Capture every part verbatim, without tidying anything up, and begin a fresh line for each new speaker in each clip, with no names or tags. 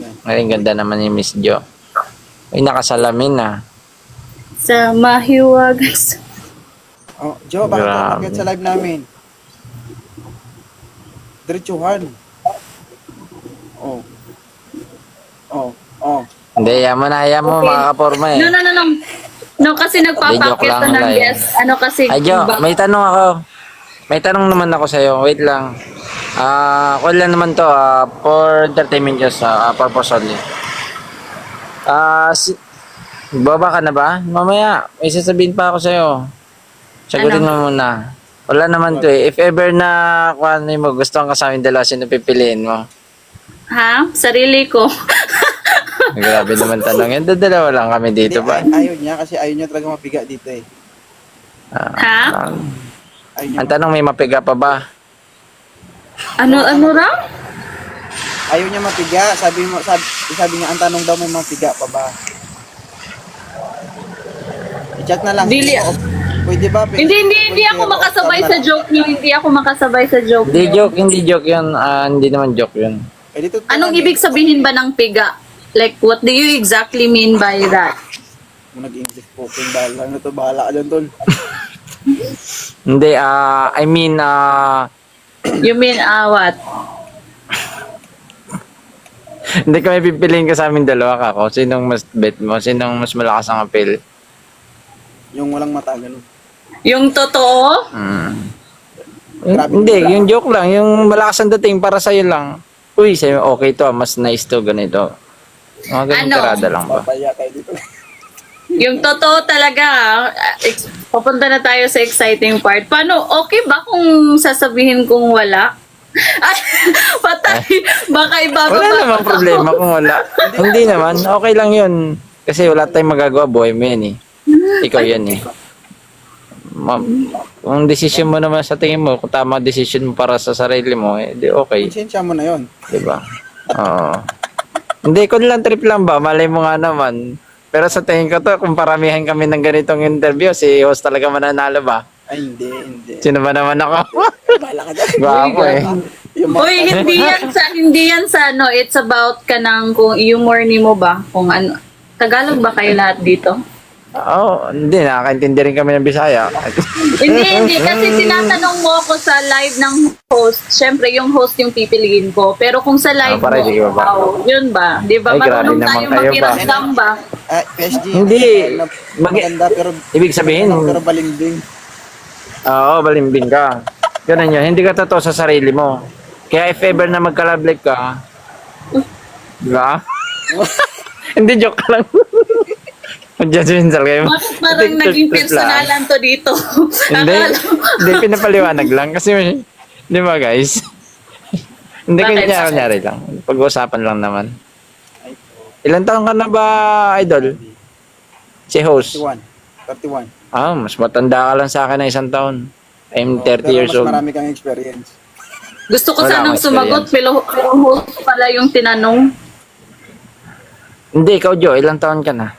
Ay, ganda naman ni Miss Jo. Ay, nakasalamin na.
Sa mahiwag.
Oh, Jo, bakit ka
Grabe.
umakyat sa live namin? Diretsuhan. Oh. Oh, oh.
Hindi, yan mo na, yan mo,
Okay.
makakaporma eh.
No, no, no, no. No, kasi
Hindi, joke
nagpapakit
lang,
ka ng
live.
guest. Ano kasi,
Ay, Jo,
ba-
may tanong ako. May tanong naman ako sa'yo. Wait lang. Ah, uh, lang naman to, ah, for entertainment just, ah, purpose only. Ah, si baba ka na ba? Mamaya, may sasabihin pa ako sa'yo. Sagutin
Ano?
mo muna. Wala naman to eh. If ever na kung ano mo, gusto kang kasama yung dalawa, sino pipiliin mo?
ha? Sarili ko.
Grabe naman tanong yan. Dalawa lang kami dito
Hindi,
ba?
ay- ayaw niya kasi ayaw niya talaga mapiga dito eh.
Ah,
Ha?
ah,
Ayaw niya,
ang tanong, may mapiga pa ba?
Ano, ano raw?
ayaw niya mapiga. Sabi mo, sabi, sabi niya, ang tanong daw may mapiga pa ba? I-chat na lang.
Dili.
Oh, pwede ba? Pwede,
Hindi, hindi, hindi ako
pwede,
makasabay
oh,
sa joke niyo. Hindi ako makasabay sa joke
Hindi
niyo.
joke, hindi joke yun. Ah, hindi naman joke yun.
Eh, dito,
Anong ibig sabihin ba ng piga? Like, what do you exactly mean by that?
Kung nag-English spoken, bahala na to. Bahala ka dyan, tol.
Hindi, ah, I mean, ah,
You mean, ah, what?
hindi kami pipiliin ka sa amin dalawa ka ko. Sinong mas bet mo? Sinong mas malakas ang appeal?
Yung walang mata, ganun.
Yung totoo?
Hmm.
Grabe
Hindi,
naman.
yung joke lang. Yung malakas ang dating para sa'yo lang. Uy, sa'yo, okay to. Mas nice to, ganito. Mga ganun
Ano?
tirada lang ba?
Papaya tayo dito.
Yung totoo talaga, ah, ex- papunta na tayo sa exciting part. Paano, okay ba kung sasabihin kong wala? Ay, patay. Baka ibababa.
Wala namang
ko.
problema kung wala. Hindi naman. Okay lang yun. Kasi wala tayong magagawa. Buhay mo yan eh. Ikaw yan eh. Ma- kung decision mo naman sa tingin mo, kung tama decision mo para sa sarili mo, eh, di okay.
Konsensya mo na yun.
Diba? Oo. Hindi, kung lang trip lang ba, malay mo nga naman. Pero sa tingin ko to, kung paramihan kami ng ganitong interview, si host talaga mananalo ba?
Ay, hindi, hindi.
Sino ba naman ako?
Bahala ka dyan.
Gwapo eh.
Yung mga-
Uy, hindi yan sa, hindi yan sa ano, it's about ka ng kung humor ni mo ba? Kung ano, Tagalog ba kayo lahat dito?
Oo, oh, hindi, nakakaintindi rin kami ng Bisaya.
Hindi, hindi. Kasi tinatanong mo ako sa live ng host. Siyempre, yung host yung pipiliin ko. Pero kung sa live
Ah, para
mo,
di ba ba?
wow, yun ba? Di ba?
Ay, grabe
Marunong
naman
tayo
kayo ba?
makiramdam ba?
Ah, P S G.
Hindi.
na-
Mag-
Maganda pero...
Ibig sabihin-
Pero balimbing.
Oo, balimbing ka. Ganun yun, hindi ka totoo sa sarili mo. Kaya if ever na magka-love ka, diba? Hindi, joke lang. Mag-judgmental kayo.
Bakit parang
Hindi,
naging
trip lang.
personalan to dito?
Hindi,
Akala-
hindi pinapaliwanag lang. Kasi, di ba guys? Hindi,
Bakit?
kanya kunyari lang. Pag-uusapan lang naman. Ilan taon ka na ba, idol? Si host.
thirty-one. thirty-one.
Ah, mas matanda ka lang sa akin na isang taon. I'm
Oh,
thirty
pero
years
mas
old.
marami kang experience.
Gusto ko
Wala
sanang
akong
sumagot, pero, pero host pala yung tinanong.
Hindi, ikaw Jo, ilang taon ka na?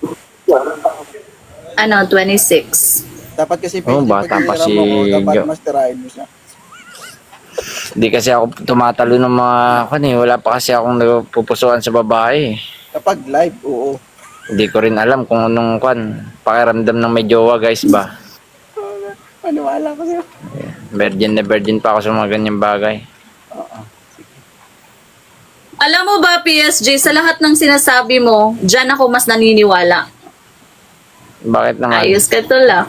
Ano, twenty-six.
Dapat kasi
Oh,
P S G,
bata pa
pag
si
mo, dapat
Jo.
masterahin mo siya.
Hindi kasi ako tumatalo ng mga kan eh. Wala pa kasi akong nagpupusuan sa babae.
Kapag live, oo.
Hindi ko rin alam kung anong kan pakiramdam ng may jowa guys ba.
Maniwala ko sa'yo.
Virgin na virgin pa ako sa mga ganyang bagay.
Oo.
Alam mo ba, P S J, sa lahat ng sinasabi mo, dyan ako mas naniniwala.
Bakit naman?
Ayos ka to lang.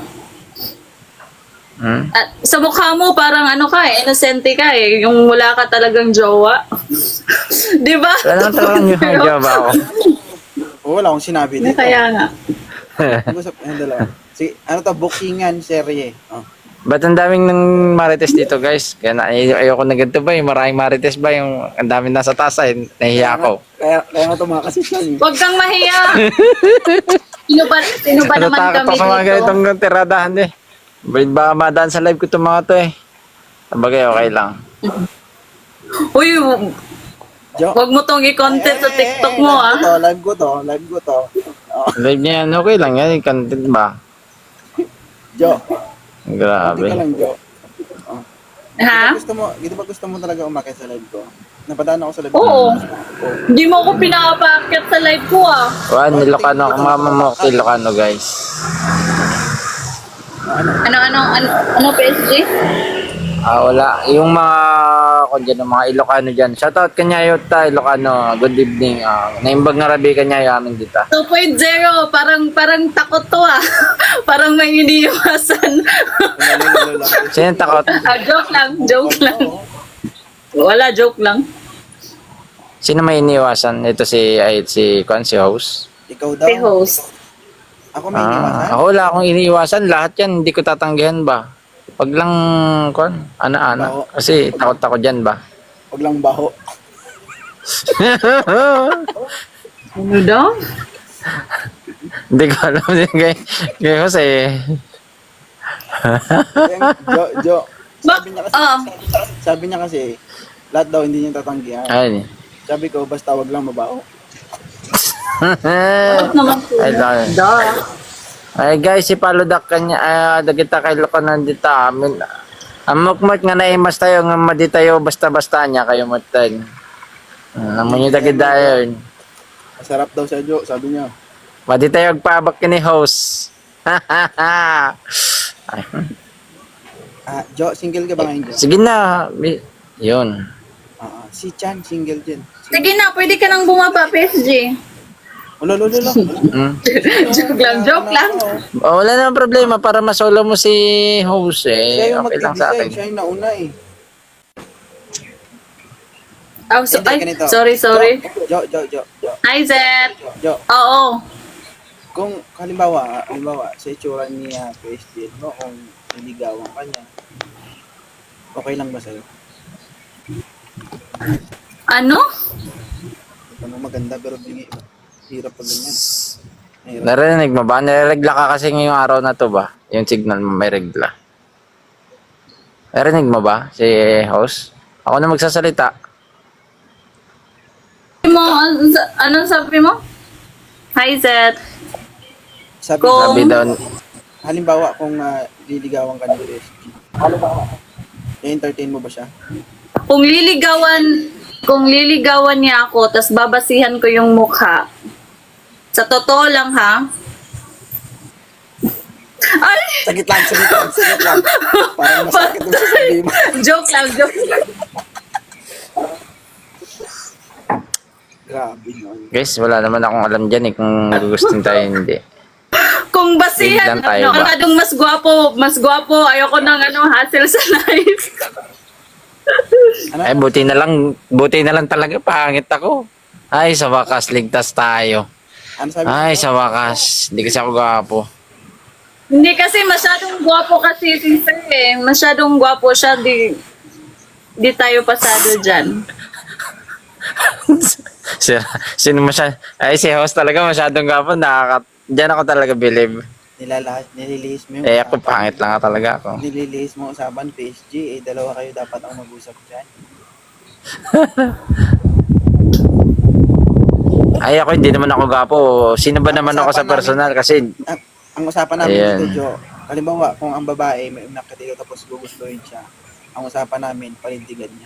Hmm?
At sa mukha mo, parang ano ka eh, innocente ka eh. Yung wala ka talagang jowa. Di ba?
Wala naman talagang yung
Pero-
jowa ako.
Oo, wala akong sinabi dito.
Kaya nga.
Pag-usap, yung dalawa. Sige, ano to, bookingan, serye. Oh.
Ba't ang daming ng marites dito guys? Kaya na, ay- ayoko na ganito ba? Yung maraming marites ba? Yung ang daming nasa tasa eh. Nahiya ako.
Kaya, kaya nga tumakas yan.
Huwag kang mahiya. Sino ba, sino ba naman
Natatakot
kami
ako sa mga
dito?
ganitong tiradahan eh. Baka madaan sa live ko itong mga to eh. Sabagay, okay lang.
Uy,
Jo.
huwag mo tong i-content sa
Eh,
TikTok
eh,
mo
live
ah.
ko to, live ko to, live ko to. Oh,
Live niya yan, okay lang yan. Content ba?
Jo. Hindi ka
Grabe.
lang, Jo.
Ha?
Gusto mo, dito ba gusto mo talaga umakit sa live ko? Napadaan ako sa live.
Oo. Hindi mo ako pinapaakyat sa live ko ah.
Wan, Ilocano ako, mama mo, Ilocano guys.
Ano, ano, ano, ano P S G?
Ah, wala. Yung mga, kung dyan, yung mga Ilocano dyan. Shoutout kanya yun ta, Ilocano. Good evening. Uh, naimbag nga rabi kanya yung amin dito.
two point oh, parang, parang takot to ah. Parang may iniiwasan.
Sino yung takot?
ah, joke lang, joke lang. Wala, joke lang.
Sino may iniwasan? Ito si, ay, si, kwan, si host.
Ikaw daw.
Si host.
Ako may iniwasan.
Ah, ako wala akong iniiwasan. Lahat yan, hindi ko tatanggihan ba? Pag lang, kwan, ana-ana.
Oo.
Kasi takot ako dyan ba?
Huwag lang baho.
Ano daw?
Hindi ko alam din kay, kay Jose.
Yung Jo, Jo.
Ba-
Sabi niya kasi,
ah.
sabi niya kasi, lahat daw hindi niya tatanggihan.
Ay.
Sabi ko, basta wag lang mabaho.
Bakit naman po?
Ay, dahil.
Da.
Ay guys, si Paludak kanya, ay, dagita kay Lokonan dita. Amin. Amok-mot nga naimas tayo, nga madi tayo, basta-basta niya kayo mutan. Amo nyo dagit dayon.
Masarap daw siya, Jo. Sabi niya.
Madi tayo agpabak kini host. Ay,
Ah, Jo, single ka ba ngayon, Jo?
sige na. Mi- Yun.
Ah, ah. Si Chan, single din.
Sige na, pwede ka nang bumaba, P S G.
Ulo, ulo, ulo.
Mm.
joke lang, joke lang.
Oh, wala namang problema para masolo mo si host
Siya
eh.
yung
Okay lang sa
mag-design.
akin.
Siya yung nauna eh.
Oh, so,
Hindi,
ay,
ganito.
sorry, sorry.
Jo, Jo, Jo, Jo.
Hi, Zed.
Jo,
Oo.
kung halimbawa, halimbawa, sa itsura niya, P S D, no, kung niligawan ka niya, okay lang ba sa'yo?
Ano?
Ano maganda pero bingi, hirap pag ganyan. Mahirap.
Narinig mo ba? Niregla ka kasi ngayong araw na to ba? Yung signal mo may regla. Narinig mo ba si host? Ako na magsasalita.
Mo, an- anong sabi mo? Hi, Zed.
Sabi,
Kung-
Sabi daw,
halimbawa kung uh, liligawan ka ng P S D, halimbawa, i-entertain mo ba siya?
Kung liligawan, kung liligawan niya ako, tas babasihan ko yung mukha, sa totoo lang ha, ay,
Sagit lang, sagit lang, sagit lang. Parang masakit yung sasabihin mo.
joke lang, joke lang.
Grabe yun.
guys, wala naman akong alam dyan eh kung nagugustin tayo hindi.
Kung basihan,
Biglang tayo
ano,
ba?
masyadong mas gwapo, mas gwapo, ayoko ng ano, hassle sa life.
Ano?
Ay, buti na lang, buti na lang talaga, pangit ako. Ay, sa wakas, ligtas tayo.
Ano sabi
Ay,
mo?
sa wakas, hindi kasi ako gwapo.
Hindi kasi masyadong gwapo kasi si Sir eh. Masyadong gwapo siya, di, di tayo pasado dyan.
si, sino masya, ay, si host talaga masyadong gwapo, nakaka, dyan ako talaga believe.
Nilalahas, nililihis mo yung
Eh, ako
usapan.
pangit lang talaga ako.
Nililihis mo usapan, P S G, eh, dalawa kayo dapat ang mag-usap dyan.
Ay, ako hindi naman ako gwapo. Sino ba naman ako sa personal? Kasi,
Ang, ang usapan namin
Ayan.
dito, Jo, halimbawa, kung ang babae may unak ka dito tapos gugustuhin siya, ang usapan namin, palintigan niya.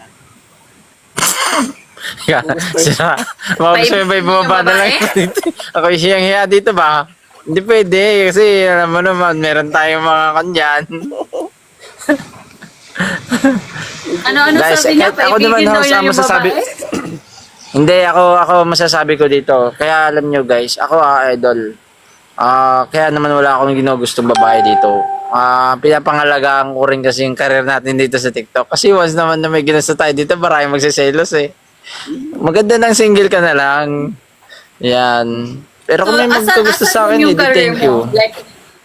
sila, mga gusto mo ba ibababa na lang dito? Ako yung hiyang-hiya dito ba? Hindi pwede, kasi alam mo naman, meron tayong mga kanyan.
Ano-ano
Guys,
sabi niya?
kahit ako naman,
Paibigin daw
host,
niya
ang
yung
masasabi-
babae?
Hindi, ako ako masasabi ko dito. Kaya alam nyo guys, ako ah, idol. Ah, kaya naman wala akong ginugustong babae dito. Ah, pinapangalagaan ko rin kasi yung career natin dito sa TikTok. Kasi once naman na may ginusto tayo dito, maraming magsiselos eh. Maganda ng single ka na lang. Yan. Pero kung may
asan-
magkagusto
asan
sa akin,
yung
eh, di
career
thank
mo?
you.
Like,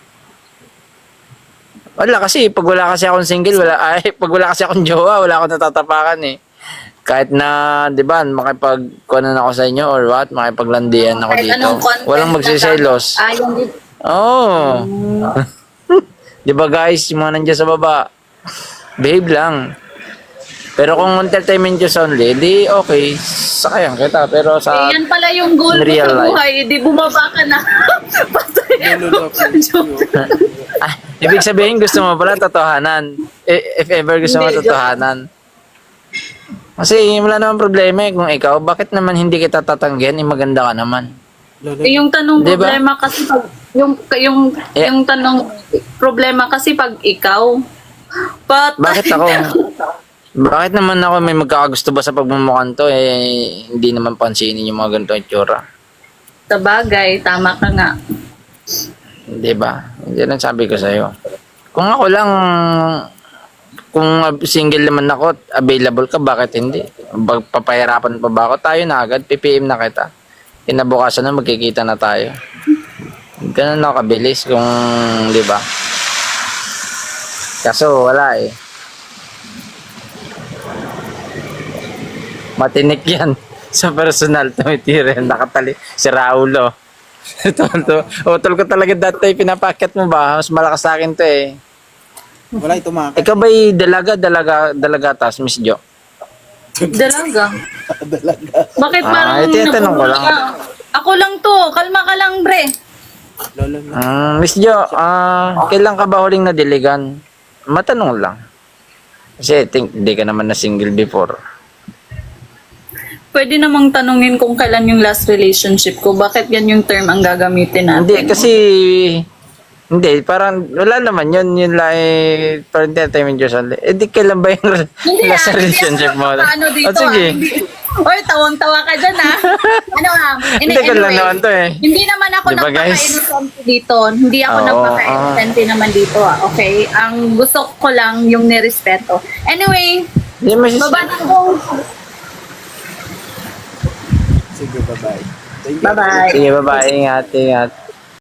Wala kasi, pag wala kasi akong single, wala, ay, pag wala kasi akong jowa, wala akong natatapakan eh. Kahit na, di ba, makipagkuhanan ako sa inyo or what, makipaglandian ako
kahit
dito.
anong content
Walang
na
magsiselos.
tama. Ah, yung di-
Oo. Oh. Di ba guys, yung mga nandiyan sa baba, behave lang. Pero kung entertainment just only, di okay, sakayan kita. Pero sa,
yan pala yung goal
in
mo
real
sa
life.
buhay. Di bumaba ka na. Patay.
Lolo,
Joke.
ah, ibig sabihin gusto mo pala totohanan. I- If ever gusto mo
Hindi, joke.
totohanan. Kasi wala naman problema eh. Kung ikaw, bakit naman hindi kita tatanggihan? Eh, maganda ka naman.
Lolo,
Eh, yung tanong
Di ba?
problema kasi pag yung yung
Eh.
yung tanong problema kasi pag ikaw pat
Bakit ako? Bakit naman ako may magkakagusto ba sa pagmumukhaan to? Eh, hindi naman pansinin yung mga ganito itsura.
sa bagay, tama ka nga.
Di ba? Hindi lang sabi ko sa'yo. Kung ako lang, kung single naman ako, available ka, bakit hindi? Bag- Papahirapan pa ba ako? Tayo na agad, P P M na kita. Kinabukasan na, magkikita na tayo. Ganun ako kabilis kung, di ba? Kaso, wala eh. Matinik yan. Sa personal, tumitira, nakatali. Si Raul, oh. Ito, ito. Utol ko talaga dati, pinapakyat mo ba? Mas malakas sa akin to eh.
wala ito mga
Ikaw ba'y dalaga, dalaga, dalaga tas, Miss Jo?
Dalaga.
dalaga.
Bakit
Ah,
parang
ito yung tanong ko lang.
Ako lang to, kalma ka lang, bre.
Lolo, lolo.
Mm, Miss Jo, ah, kailan ka ba huling nadiligan? Matanong lang. Kasi think, hindi ka naman na single before.
Pwede namang tanungin kung kailan yung last relationship ko. Bakit yan yung term ang gagamitin natin?
Hindi, kasi, hindi, parang, wala naman yun, yun lang eh, for entertainment use only. Eh, di kailan ba yung
Hindi
last
ah,
relationship mo?
Hindi ako ano dito
Oh, sige.
ah. Hindi. Oy, tawang-tawa ka dyan ah. Ano ah.
Hindi ko lang naman to eh.
Hindi naman ako
Di ba, guys?
nagpaka-innocent dito. Hindi ako
Oo,
nagpaka-innocent naman dito ah. Okay? Ang gusto ko lang yung nirespeto. Anyway,
Hindi, mas,
baba na ko.
Sige, bye-bye. Thank you.
Bye-bye.
sige, bye-bye, ingat, ingat.